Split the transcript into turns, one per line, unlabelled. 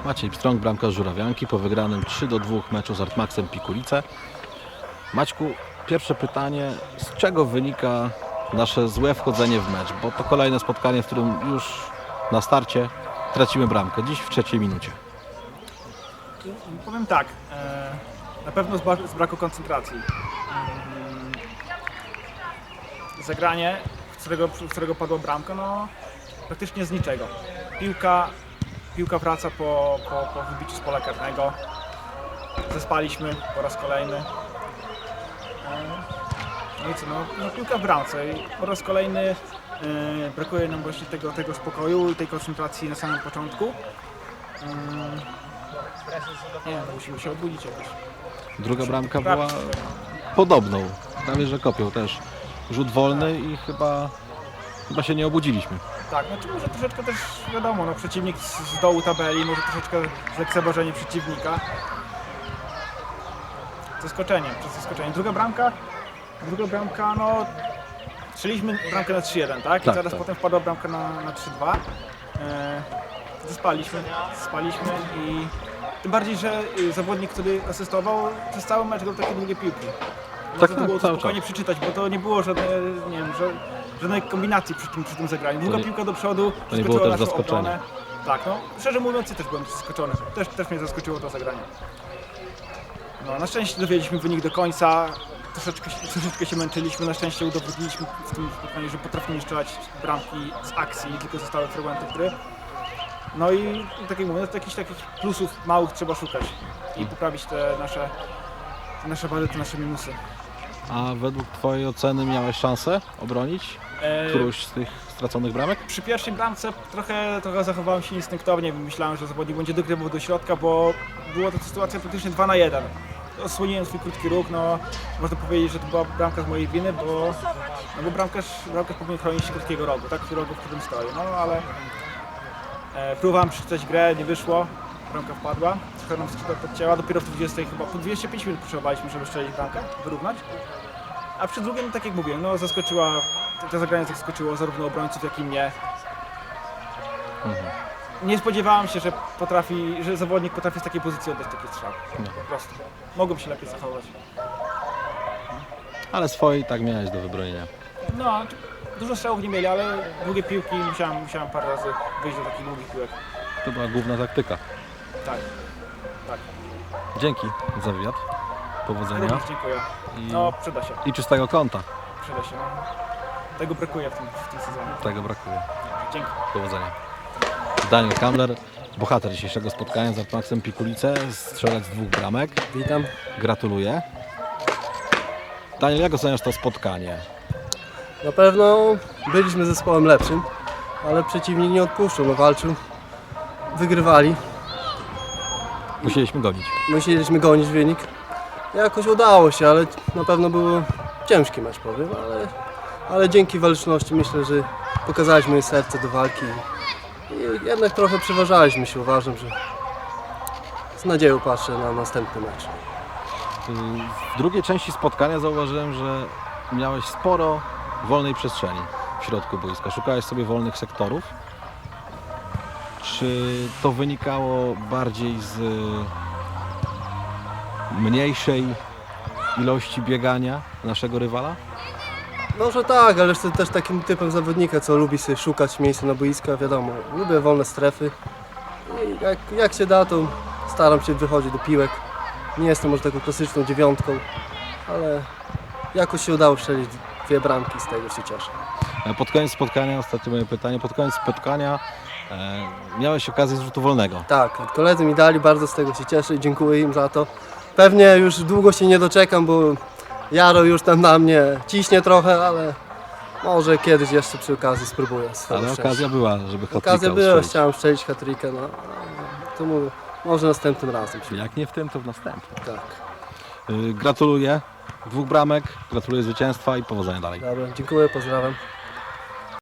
Maciej Pstrąg, bramkarz Żurawianki po wygranym 3-2 meczu z Artmaxem Pikulice. Maćku, pierwsze pytanie, z czego wynika nasze złe wchodzenie w mecz? Bo to kolejne spotkanie, w którym już na starcie tracimy bramkę, dziś w 3. minucie.
Powiem tak, na pewno z braku koncentracji. Zagranie, w którego padła bramka, no praktycznie z niczego. Piłka wraca po wybiciu z pola karnego. Zespaliśmy po raz kolejny. No i co, no piłka w bramce i po raz kolejny brakuje nam właśnie tego spokoju i tej koncentracji na samym początku. Nie wiem, musimy się obudzić jakoś.
Druga bramka była podobną, prawie że kopią też. Rzut wolny i chyba się nie obudziliśmy.
Tak, znaczy może troszeczkę też wiadomo, no przeciwnik z dołu tabeli, może troszeczkę zlekceważenie przeciwnika. Zaskoczenie. Druga bramka, no strzeliśmy bramkę na 3-1, tak? I zaraz
tak.
potem wpadła bramka na 3-2. Spaliśmy i tym bardziej, że zawodnik, który asystował, przez cały mecz grał takie długie piłki. Można to było
cały
spokojnie przeczytać, bo to nie było żadnej kombinacji przy tym zagraniu. Długa piłka do przodu,
to nie było też
naszą
zaskoczenie.
obronę. Tak, no szczerze mówiąc, ja też byłem zaskoczony. Też mnie zaskoczyło to zagranie. No, na szczęście dowiedzieliśmy wynik do końca. Troszeczkę się męczyliśmy. Na szczęście udowodniliśmy w tym spotkaniu, że potrafimy strzelać bramki z akcji, nie tylko ze stałych fragmentów gry. No i tak jak mówię, no, jakichś takich plusów małych trzeba szukać i poprawić te nasze wady, te nasze minusy.
A według Twojej oceny miałeś szansę obronić którąś z tych straconych bramek?
Przy pierwszej bramce trochę zachowałem się instynktownie. Myślałem, że zawodnik będzie dogrywał do środka, bo była to sytuacja praktycznie 2 na 1. Osłoniłem swój krótki ruch, no można powiedzieć, że to była bramka z mojej winy, bo bramkarz powinien chronić krótkiego rogu, tak? Rogu, w którym stoi. No ale próbowałem przeczytać grę, nie wyszło, bramka wpadła, trochę nam skrzydła podcięła, dopiero w 20 chyba po 25 minut potrzebowaliśmy, żeby strzelić bramkę, wyrównać. A przy drugim, tak jak mówiłem, no to zagranie zaskoczyło zarówno obrońców, jak i mnie. Nie spodziewałem się, że zawodnik potrafi z takiej pozycji oddać taki strzał. Po prostu. Mogłem się lepiej zachować.
Ale swojej tak miałeś do wybronienia.
No, dużo strzałów nie mieli, ale długie piłki musiałem parę razy wyjść do takich długich piłek.
To była główna taktyka.
Tak.
Dzięki za wywiad. Powodzenia.
Również dziękuję. No, przyda się.
I czystego konta.
Przyda się. No. Tego brakuje w tym sezonie.
Tego brakuje.
Dzięki.
Powodzenia. Daniel Kamler, bohater dzisiejszego spotkania z Artmaxem Pikulice, strzelec 2 bramek.
Witam.
Gratuluję. Daniel, jak oceniasz to spotkanie?
Na pewno byliśmy zespołem lepszym, ale przeciwnik nie odpuszczał, no walczył, wygrywali. Musieliśmy gonić wynik. Jakoś udało się, ale na pewno był ciężki mecz, powiem, ale dzięki waleczności myślę, że pokazaliśmy serce do walki i jednak trochę przeważaliśmy się, uważam, że z nadzieją patrzę na następny mecz.
W drugiej części spotkania zauważyłem, że miałeś sporo wolnej przestrzeni w środku boiska. Szukałeś sobie wolnych sektorów. Czy to wynikało bardziej z mniejszej ilości biegania naszego rywala?
Może tak, ale jestem też takim typem zawodnika, co lubi sobie szukać miejsca na boiska, wiadomo, lubię wolne strefy i jak się da, to staram się wychodzić do piłek. Nie jestem może taką klasyczną 9, ale jakoś się udało strzelić 2 bramki, z tego się cieszę.
Pod koniec spotkania, ostatnie moje pytanie, pod koniec spotkania miałeś okazję z rzutu wolnego.
Tak, koledzy mi dali, bardzo z tego się cieszę i dziękuję im za to. Pewnie już długo się nie doczekam, bo Jaro już tam na mnie ciśnie trochę, ale może kiedyś jeszcze przy okazji spróbuję.
Ale okazja była, żeby hat-tricka
Okazja była,
ustrzelić.
chciałem strzelić hat-tricka, no to mówię, może następnym razem.
Jak nie w tym, to w następnym.
Tak,
Gratuluję 2 bramek, gratuluję zwycięstwa i powodzenia dalej.
dobra, dziękuję, pozdrawiam.